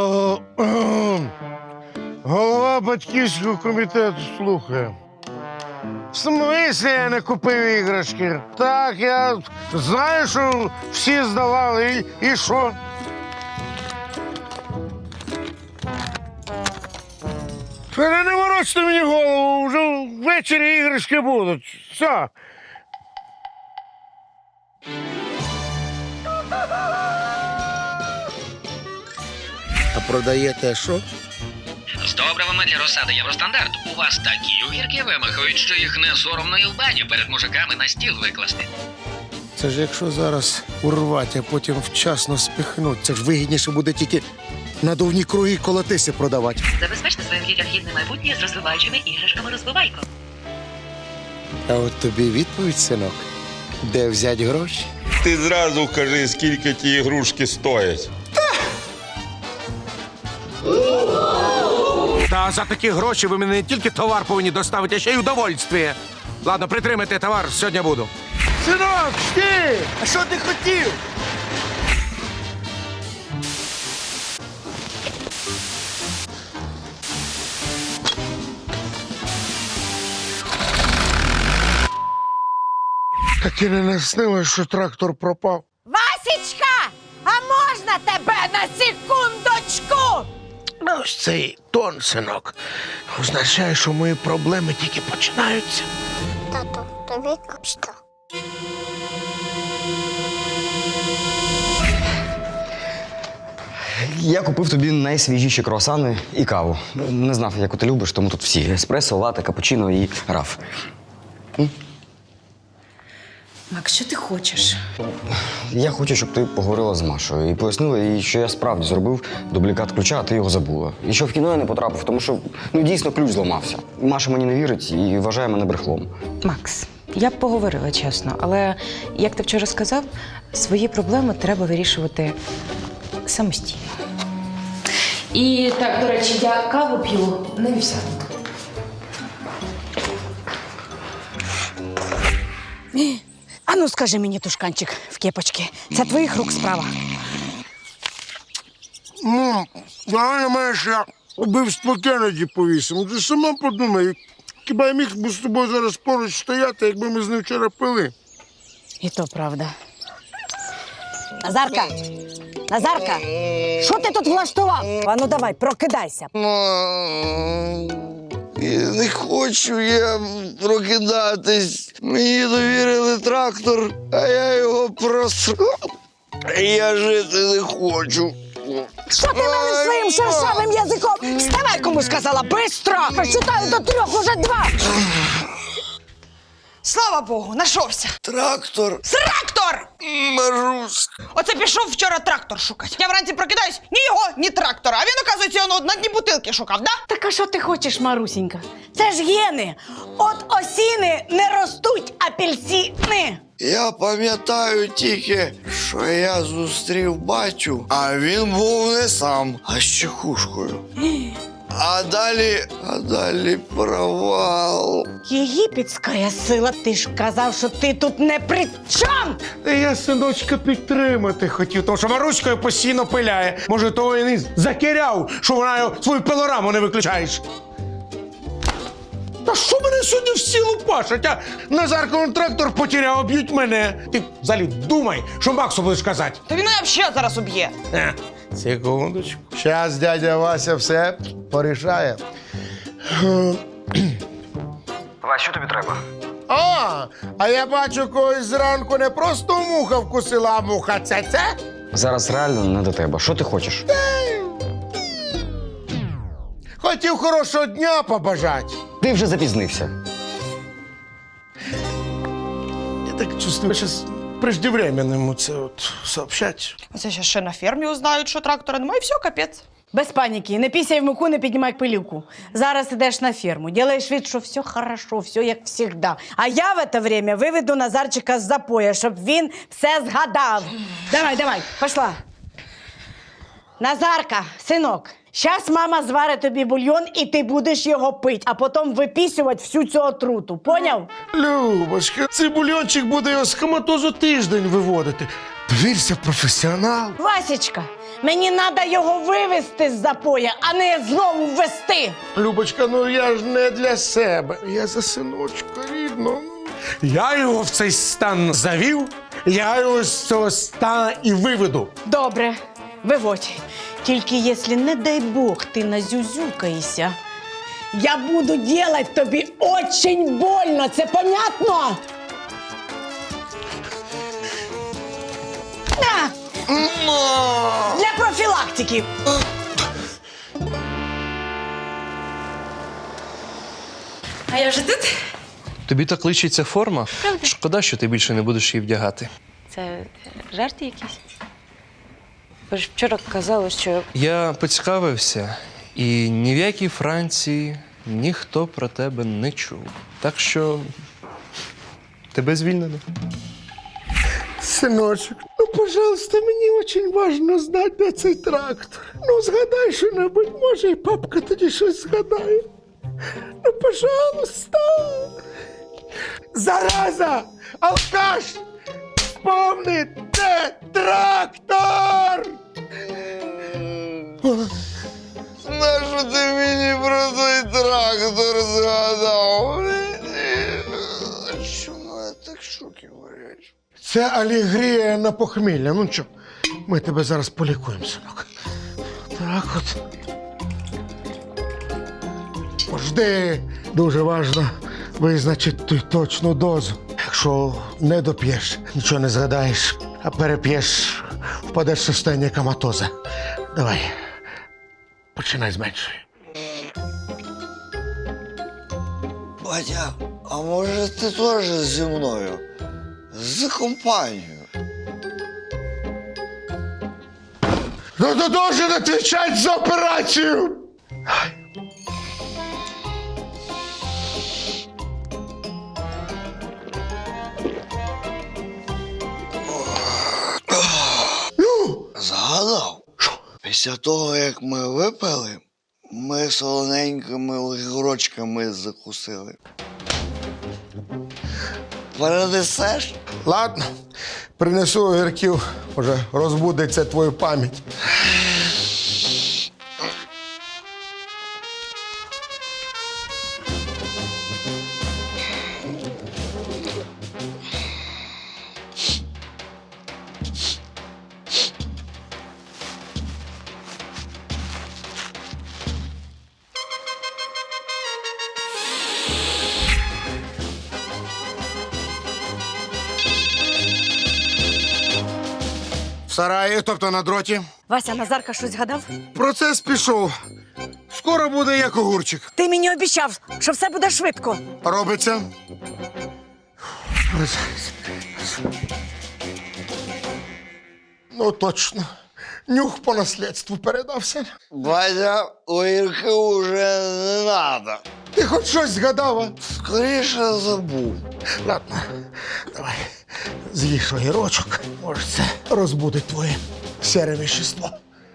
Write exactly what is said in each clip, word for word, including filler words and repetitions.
О, о, голова батьківського комітету слухає. В смислі я не купив іграшки? Так, я знаю, що всі здавали. І, і що? Та не ворочте мені голову, вже ввечері іграшки будуть. Все. А продаєте що? З добривами для розсади Євростандарт. У вас такі огірки вимахують, що їх не соромно і в баню перед мужиками на стіл викласти. Це ж якщо зараз урвати, а потім вчасно спихнуть, це ж вигідніше буде тільки надувні круги колотиси продавати. Забезпечте своїм дітям гідне майбутнє з розвиваючими іграшками «Розвивайко». А от тобі відповідь, синок. Де взяти гроші? Ти зразу кажи, скільки ті ігрушки стоять. Та за такі гроші ви мені не тільки товар повинні доставити, а ще й удовольствие. Ладно, притримайте товар, сьогодні буду. Синок, ти! А що ти хотів? Так і не наснилось, що трактор пропав. Васічка, а можна тебе на секундочку? Ось цей тон, синок, означає, що мої проблеми тільки починаються. Тату, тобі капста. Я купив тобі найсвіжіші круасани і каву. Не знав, яку ти любиш, тому тут всі. Еспресо, лате, капучино і раф. Макс, що ти хочеш? Я хочу, щоб ти поговорила з Машою і пояснила їй, що я справді зробив дублікат ключа, а ти його забула. І що в кіно я не потрапив, тому що ну, дійсно ключ зламався. Маша мені не вірить і вважає мене брехлом. Макс, я б поговорила чесно, але, як ти вчора сказав, свої проблеми треба вирішувати самостійно. І так, до речі, я каву п'ю на вівсянку. А ну скажи мені, тушканчик в кепочці, це твоїх рук справа? Ну, давай маєш, я убивство Кеннеді повісимо. Ти сама подумай, хіба я міг би з тобою зараз поруч стояти, якби ми з ним вчора пили? І то правда. Назарка! Назарка! Що ти тут влаштував? А ну давай, прокидайся. Не хочу я прокидатись. Мені довірили трактор, а я його просрав. Я жити не хочу. Що ти мене своїм шершавим язиком? Вставай, кому сказала, бистро! Прочитаю до трьох, уже два! Слава Богу, нашовся. Трактор. Трактор! Марусь. Оце пішов вчора трактор шукати. Я вранці прокидаюсь, ні його, ні трактора. А він, оказується, його на дні бутилки шукав, да? Так а що ти хочеш, Марусінька? Це ж гени. От осіни не ростуть апельсини. Я пам'ятаю тільки, що я зустрів батю, а він був не сам, а з чекушкою. А далі, а далі провал. Єгипетська сила, ти ж казав, що ти тут не при чому. Та я, синочка, підтримати хотів, тому що Маруською постійно пиляє. Може, того і не закиряв, що вона його свою пилораму не виключаєш. Та що мене сьогодні всі лупашать, а? Назарковий трактор потеряв, б'ють мене. Ти взагалі думай, що Максу будеш казати. Та він мене взагалі зараз уб'є. Е, секундочку. Щас дядя Вася все порішає. Вась, що тобі треба? А, а я бачу, когось зранку не просто муха вкусила, а муха це-це. Зараз реально не до тебе. Що ти хочеш? Хотів хорошого дня побажати. Ти вже запізнився. Я так чувствую, зараз преждевременному це от сообщать. Оце ще ще на фермі узнають, що трактора немає, і все, капець. Без паніки, не пісяй в муку, не піднімай пилюку. Зараз ідеш на ферму, ділаєш вид, що все хорошо, все як завжди. А я в це время виведу Назарчика з запоя, щоб він все згадав. Давай, давай, пішла. Назарка, синок, зараз мама зварить тобі бульйон, і ти будеш його пити, а потім випісювати всю цю отруту. Поняв? Любочка, цей бульончик буде його з коматозу тиждень виводити. Довірся професіоналу. Васечка, Мені треба його вивезти з запоя, а не знову ввести. Любочка, ну я ж не для себе. Я за синочка рідного. Я його в цей стан завів, я його з цього стану і виведу. Добре, виводь. Тільки якщо, не дай Бог, ти назюзюкаєшся, я буду делать тобі очень больно, це понятно? На! Для профілактики. А я вже тут? Тобі так личиться форма? Шкода, що ти більше не будеш її вдягати. Це жарти якісь? Ви ж вчора казали, що Я поцікавився, і ні в якій Франції ніхто про тебе не чув. Так що тебе звільнено. Синочок, ну, пожалуйста, мені очень важно знати, де цей трактор. Ну, згадай що-небудь, може, і папка тоді щось згадає. Ну, пожалуйста. Зараза! Алкаш! Вспомни, де трактор! Нащо ти мені про той трактор згадав? Що мене так шоки варять? Це алегрія на похмілля. Ну що, ми тебе зараз полікуємо, синок. Так от. Жди. Дуже важливо визначити ту точну дозу. Якщо не доп'єш, нічого не згадаєш, а переп'єш, впадеш в состояння коматоза. Давай, починай з меншої. Батя, а може ти теж зі мною? За компанію. Ну, ти должен отвечать за операцію! Згадав? Що? Після того, як ми випили, ми солоненькими огірочками закусили. Перенесеш? Ладно, принесу огірків, може розбудеться твою пам'ять. В сараї, тобто на дроті. Вася, Назарка щось згадав? Процес пішов. Скоро буде як огурчик. Ти мені обіцяв, що все буде швидко. Робиться. Ну, точно. Нюх по наслідству передався. Батя, огірки уже не надо. Ти хоч щось згадав, а? Скоріше забув. Ладно, давай. З'їж огірочок. Може, це розбудить твоє сере вещество.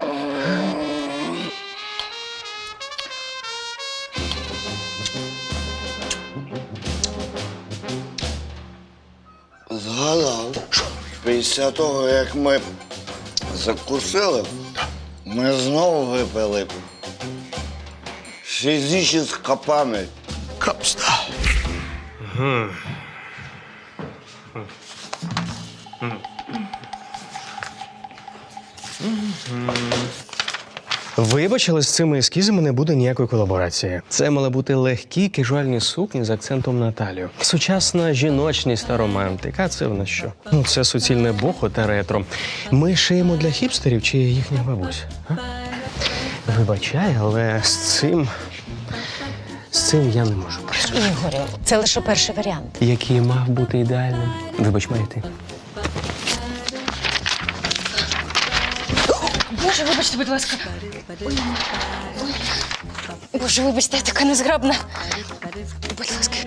Згадав. Після того, як ми закусили, ми знову випили. Фізична пам'ять. Капста. Вибач, але з цими ескізами не буде ніякої колаборації. Це мали бути легкі кежуальні сукні з акцентом на талію. Сучасна жіночність та романтика. А це в нас що? Ну, це суцільне бохо та ретро. Ми шиємо для хіпстерів чи їхніх бабусь? А? Вибачай, але з цим. З цим я не можу працювати. Ігорю, це лише перший варіант. Який мав бути ідеальним. Вибач, має ти. Боже, вибачте, будь ласка. Ой. Ой. Боже, вибачте, я така незграбна. Будь ласка.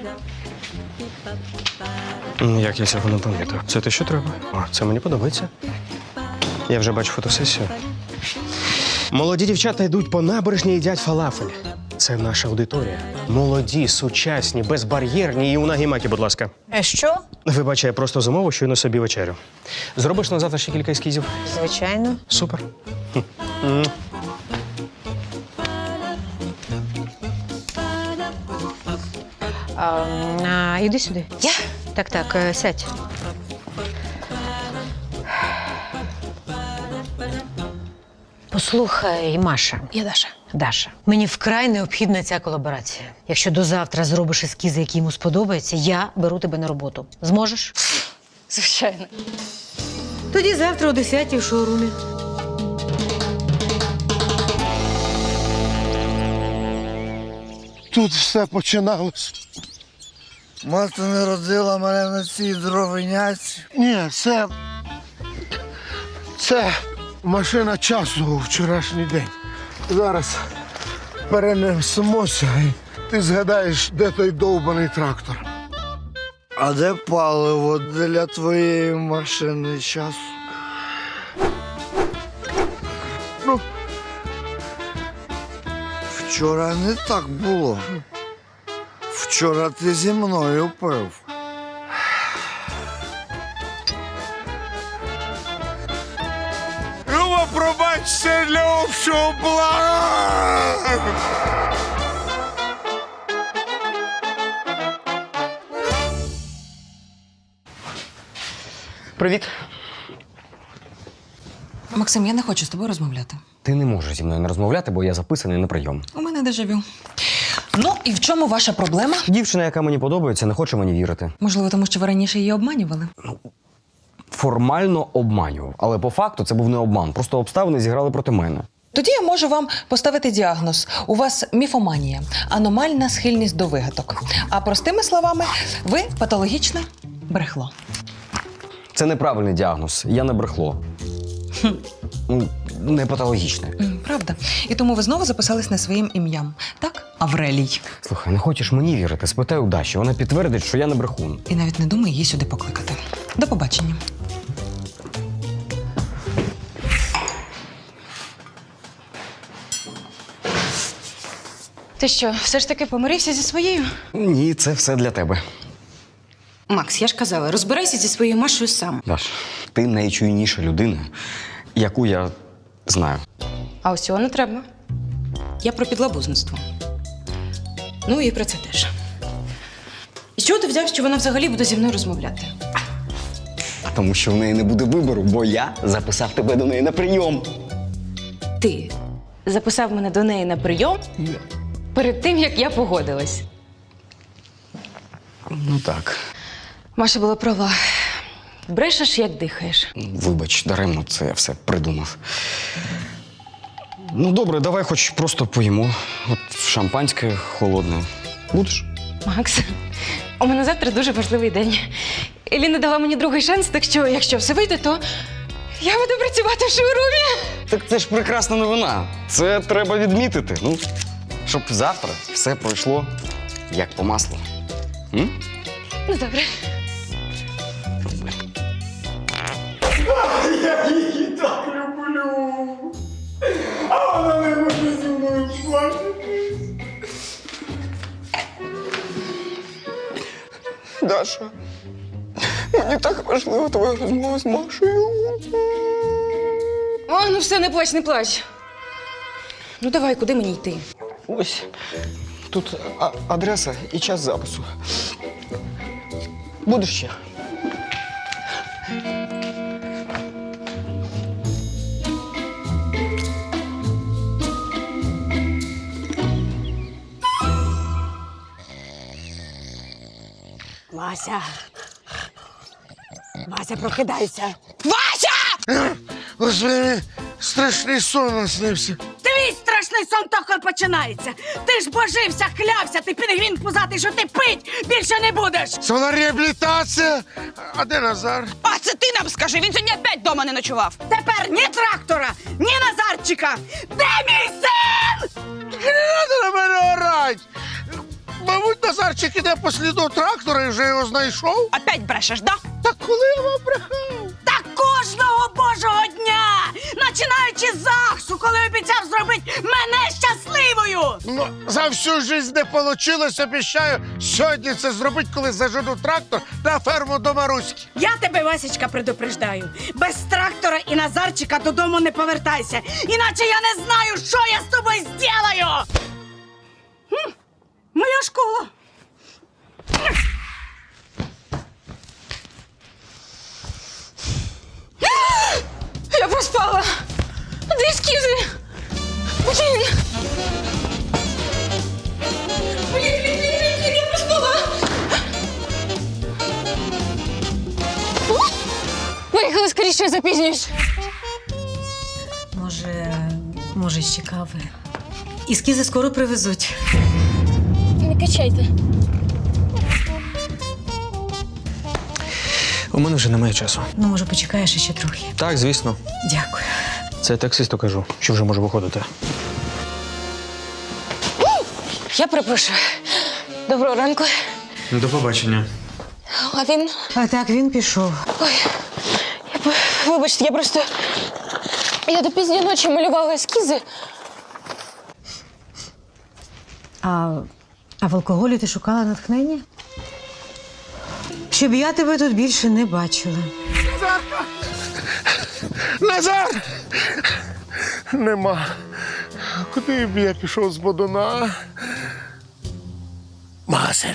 Як я цього не помітив? Це те, що треба? О, це мені подобається. Я вже бачу фотосесію. Молоді дівчата йдуть по набережні і їдять фалафель. Це наша аудиторія. Молоді, сучасні, безбар'єрні і у нагімакі, будь ласка. Е, що? Вибачай, просто замовив щойно собі вечерю. Зробиш на завтра ще кілька ескізів? Звичайно. Супер. Хм. М. А, а, іди сюди. Я? Так, так, е, сядь. Послухай, Маша. Я Даша. Даша, мені вкрай необхідна ця колаборація. Якщо до завтра зробиш ескізи, які йому сподобаються, я беру тебе на роботу. Зможеш? Звичайно. Тоді завтра о десятій в шоурумі. Тут все починалось. Мати не родила мене на цій дровиняці. Ні, це. Це машина часу у вчорашній день. Зараз перенесемося і ти згадаєш, де той довбаний трактор. А де паливо для твоєї машини часу? Ну, Вчора не так було. Вчора ти зі мною пив. Люба, пробач, це для общого блага. Привіт. Максим, я не хочу з тобою розмовляти. Ти не можеш зі мною не розмовляти, бо я записаний на прийом. У мене дежавю. Ну, і в чому ваша проблема? Дівчина, яка мені подобається, не хоче мені вірити. Можливо, тому що ви раніше її обманювали? Формально обманював, але по факту це був не обман. Просто обставини зіграли проти мене. Тоді я можу вам поставити діагноз. У вас міфоманія, аномальна схильність до вигадок. А простими словами, ви патологічне брехло. Це неправильний діагноз. Я не брехло. Ну, не патологічне. М, Правда. І тому ви знову записались не своїм ім'ям. Так? Аврелій. Слухай, не хочеш мені вірити? Спитай у Даші. Вона підтвердить, що я не брехун. І навіть не думай її сюди покликати. До побачення. Ти що, все ж таки помирився зі своєю? Ні, це все для тебе. Макс, я ж казала, розбирайся зі своєю Машою сам. Даш, ти найчуйніша людина, яку я знаю. А ось цього не треба. Я про підлабузництво. Ну і про це теж. І з чого ти взяв, що вона взагалі буде зі мною розмовляти? Тому що в неї не буде вибору, бо я записав тебе до неї на прийом. Ти записав мене до неї на прийом перед тим, як я погодилась. Ну так. Маша була права. Брешеш, як дихаєш. Вибач, даремно це я все придумав. Ну, добре, давай хоч просто поїмо. От шампанське холодне. Будеш? Макс, у мене завтра дуже важливий день. Еліна дала мені другий шанс, так що, якщо все вийде, то я буду працювати в шоурумі. Так це ж прекрасна новина. Це треба відмітити. Ну, щоб завтра все пройшло як по маслу. М? Ну, добре. Я її так люблю. А вона не може зі мною плакати. Даша, мені так важлива твоя розмова з Машею. О, ну все, не плач, не плач. Ну давай, куди мені йти? Ось тут а- адреса і час запису. Будеш ще? Вася. Вася, прокидайся. Вася! Господи, мені страшний сон наснився. Твій страшний сон тільки починається. Ти ж божився, клявся, ти пінгвін пузатий, що ти пить більше не будеш. Це вона реабілітація. А де Назар? А це ти нам скажи, він сьогодні опять вдома не ночував. Тепер ні трактора, ні Назарчика. Де мій син? Не треба на мене орать. Мабуть, Назарчик іде по сліду трактора і вже його знайшов. Опять брешеш, да? Так коли я вам брехав? Та кожного божого дня, починаючи з ЗАГСу, коли обіцяв зробити мене щасливою. Ну, за всю життя не вийшло, обіцяю сьогодні це зробити, коли зажену трактор на ферму до Маруськи. Я тебе, Васечка, предупреждаю. Без трактора і Назарчика додому не повертайся. Іначе я не знаю, що я з тобою зроблю. Хм, моя школа. Я проспала. Де ескізи? Блін. Блін, блін, блін, блін, я проспала. Поїхали скоріше, я запізнююсь. Може, може, ще кави. Ескізи скоро привезуть. Не качайте. У мене вже немає часу. Ну, може, почекаєш ще трохи. Так, звісно. Дякую. Це таксисту кажу, що вже можу виходити. Я перепрошую. Доброго ранку. До побачення. А він? А так він пішов. Ой, я, по- вибачте, я просто... Я до пізньої ночі малювала ескізи. А, а в алкоголі ти шукала натхнення? Щоб я тебе тут більше не бачила. Назар! Нема. Куди б я пішов з Бодуна? Магазин.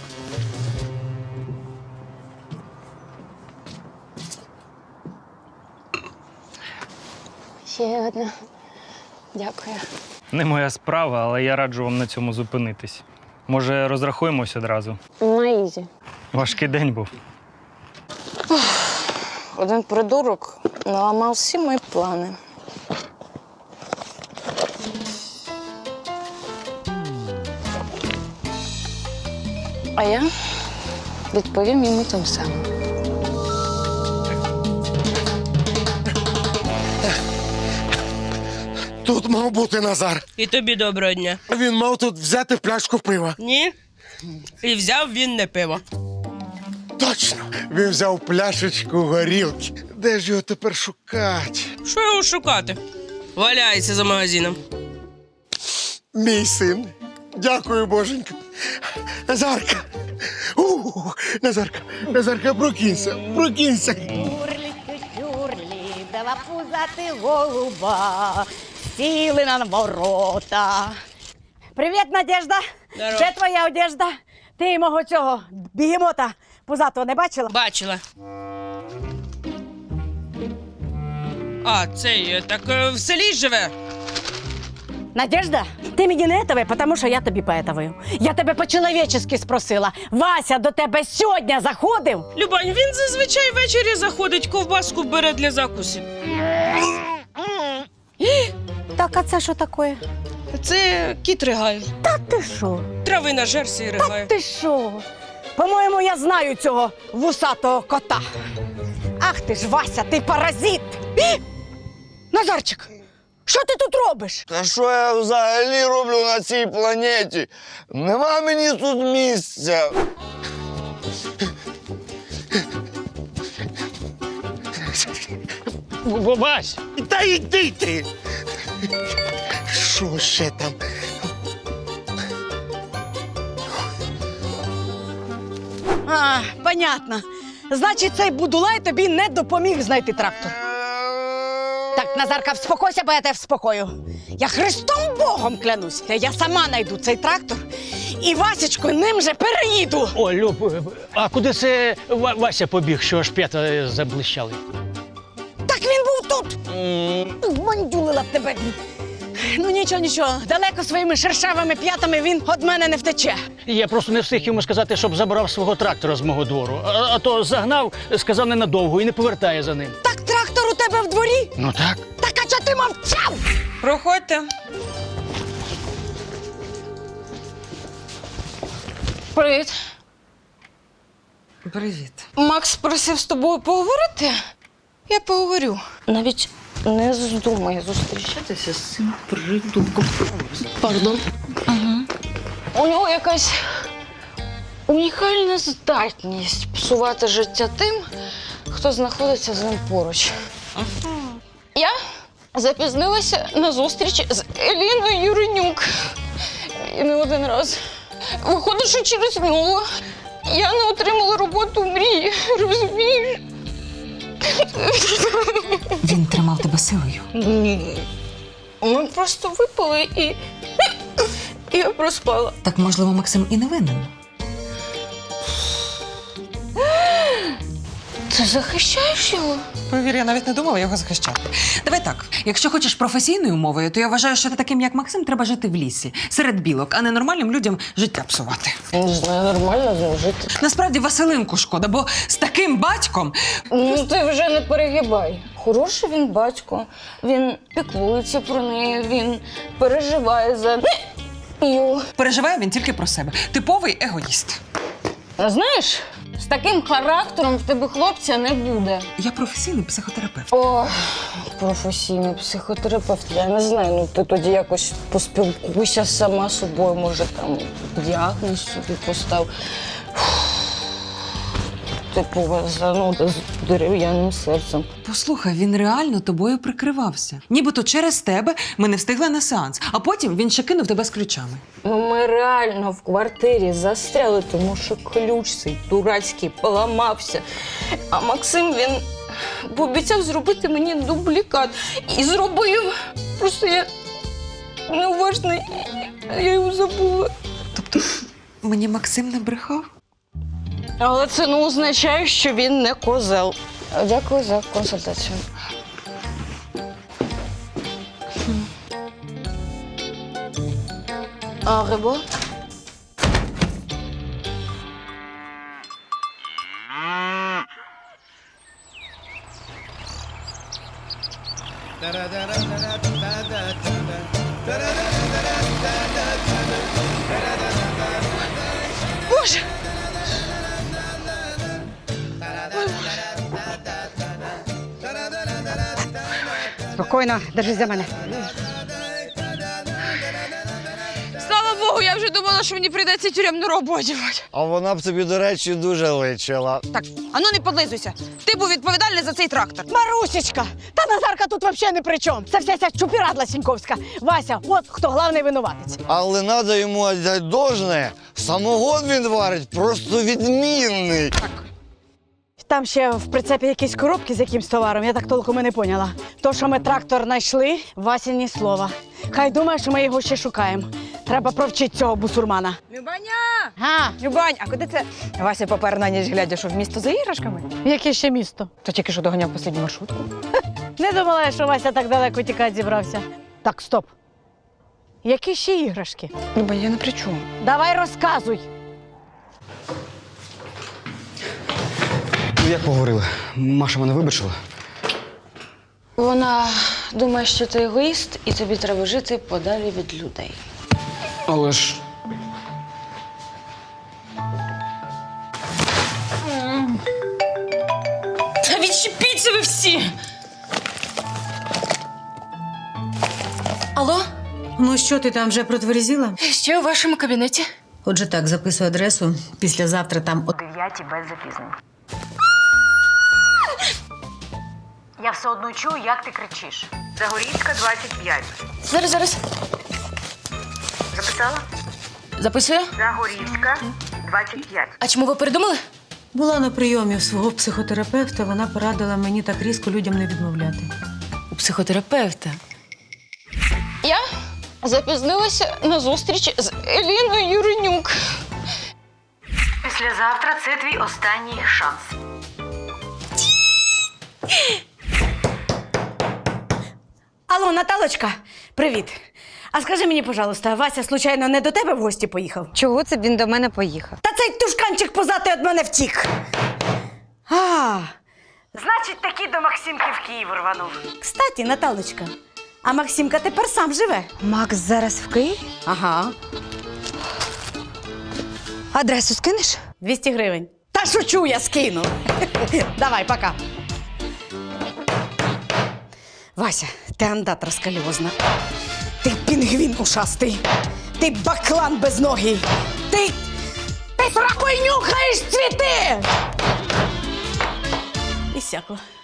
Ще одна. Дякую. Не моя справа, але я раджу вам на цьому зупинитись. Може, розрахуємось одразу? На ізі. Важкий день був. Один придурок наламав всі мої плани. А я відповім йому тим самим. Тут мав бути Назар. І тобі доброго дня. Він мав тут взяти пляшку пива. Ні? І взяв він не пиво. Точно! Він взяв пляшечку горілки. Де ж його тепер шукати? Що його шукати? Валяється за магазином. Мій син. Дякую, боженька. Назарка. У, Назарка, Назарка, прокинься, прокинься. Юрлі, юрлі, дала пузати голуба, сіли на ворота. Привіт, Надежда. Здорово. Де твоя одежда? Ти мого цього бігемота пузатого не бачила? Бачила. А, цей, е, так е, в селі живе. Надежда, ти мені не етовий, тому що я тобі поетовую. Я тебе по-чоловічески спросила. Вася до тебе сьогодні заходив? Любань, він зазвичай ввечері заходить, ковбаску бере для закусів. Так, а це що таке? Це кіт ригає. Та ти що? Трави на жерсі і Та ригає. ти що? По-моєму, я знаю цього вусатого кота. Ах ти ж, Вася, ти паразит! І? Назарчик, що ти тут робиш? Та що я взагалі роблю на цій планеті? Нема мені тут місця. Вась, та йди ти. Що ще там? А, понятно. Значить, цей будулай тобі не допоміг знайти трактор. Так, Назарка, вспокойся, бо я тебе вспокою. Я Христом Богом клянусь, я сама знайду цей трактор і Васечку ним же переїду. О, Люб, а куди це Ва- Вася побіг, що аж п'ята заблищали? Так він був тут. Мандюлила б тебе. Ну нічого, нічого. Далеко своїми шершавими п'ятами він від мене не втече. Я просто не встиг йому сказати, щоб забрав свого трактора з мого двору. А, а то загнав, сказав ненадовго і не повертає за ним. Так трактор у тебе в дворі? Ну так. Так а чого ти мовчав? Проходьте. Привіт. Привіт. Макс просив з тобою поговорити? Я поговорю. Навіть не здумай зустрічатися з цим придурком. Пардон. Угу. У нього якась унікальна здатність псувати життя тим, хто знаходиться з ним поруч. Ага. Я запізнилася на зустріч з Еліною Юренюк. І не один раз. Виходить, що через нього я не отримала роботу мрії, розумієш? Він тримав тебе силою. Ні. Ми просто випали і, і я проспала. Так, можливо, Максим і не винен. Ти захищаєш його? Повір, я навіть не думала його захищати. Давай так, якщо хочеш професійною мовою, то я вважаю, що таким, як Максим, треба жити в лісі, серед білок, а не нормальним людям життя псувати. Не знаю, нормально з ним жити. Насправді Василинку шкода, бо з таким батьком... Ну, ти вже не перегибай. Хороший він батько, він піклується про неї, він переживає за нею. Переживає він тільки про себе. Типовий егоїст. А знаєш, з таким характером в тебе хлопця не буде. Я професійний психотерапевт. О, професійний психотерапевт. Я не знаю, ну ти тоді якось поспілкуйся сама з собою, може там діагноз собі постав. Типова зануда з дерев'яним серцем. Послухай, він реально тобою прикривався. Нібито через тебе ми не встигли на сеанс, а потім він ще кинув тебе з ключами. Ну, ми реально в квартирі застряли, тому що ключ цей дурацький поламався. А Максим, він пообіцяв зробити мені дублікат. І зробив. Просто я неуважна, я його забула. Тобто мені Максим не брехав? Але це не означає, що він не козел. Дякую за консультацію. А рибо? Боже! Спокійно, держись за мене. Слава Богу, я вже думала, що мені прийдеться тюремну роботу. А вона б тобі, до речі, дуже личила. Так, ану не подлизуйся. Ти був відповідальний за цей трактор. Марусечка! Та Назарка тут взагалі не при чому. Це вся ця чупірадла Сіньковська. Вася, от хто головний винуватець. Але треба йому віддати должне. Самогон він варить просто відмінний. Там ще в прицепі якісь коробки з якимсь товаром, я так толком і не поняла. То, що ми трактор знайшли, Васі ні слова. Хай думає, що ми його ще шукаємо. Треба провчити цього бусурмана. Любаня! Га, Любань, а куди це Вася попер на ніч глядя, що в місто за іграшками? яке ще місто? То тільки що доганяв останню маршрутку. Не думала, що Вася так далеко тікати зібрався. Так, стоп. Які ще іграшки? Любань, я не при чому. Давай розказуй. Ну, як поговорили? Маша мене вибачила? Вона думає, що ти егоїст, і тобі треба жити подалі від людей. Але ж... Та відчепіться ви всі! Алло? Ну що, ти там вже протверзіла? Що у вашому кабінеті? Отже так, записуй адресу. Післязавтра там о Дев'яті без запізнень. Я все одно чую, як ти кричиш. Загорівська, двадцять п'ять. Зараз, зараз. Записала? Записую. Загорівська, двадцять п'ять. А чому ви передумали? Була на прийомі у свого психотерапевта, вона порадила мені так різко людям не відмовляти. У психотерапевта. Я запізнилася на зустріч з Еліною Юринюк. Післязавтра це твій останній шанс. Алло, Наталочка, привіт. А скажи мені, пожалуйста, Вася, случайно, не до тебе в гості поїхав? Чого це він до мене поїхав? Та цей тушканчик позатий від мене втік. А, значить, таки до Максимки в Київ рванув. Кстати, Наталочка, а Максимка тепер сам живе. Макс зараз в Києві? Ага. Адресу скинеш? двісті гривень. Та шучу, я скину. Давай, пока. Вася, ти андат розкальозна. Ти пінгвін ушастий. Ти баклан безногий. Ти... Ти сракою нюхаєш цвіти! І сякло.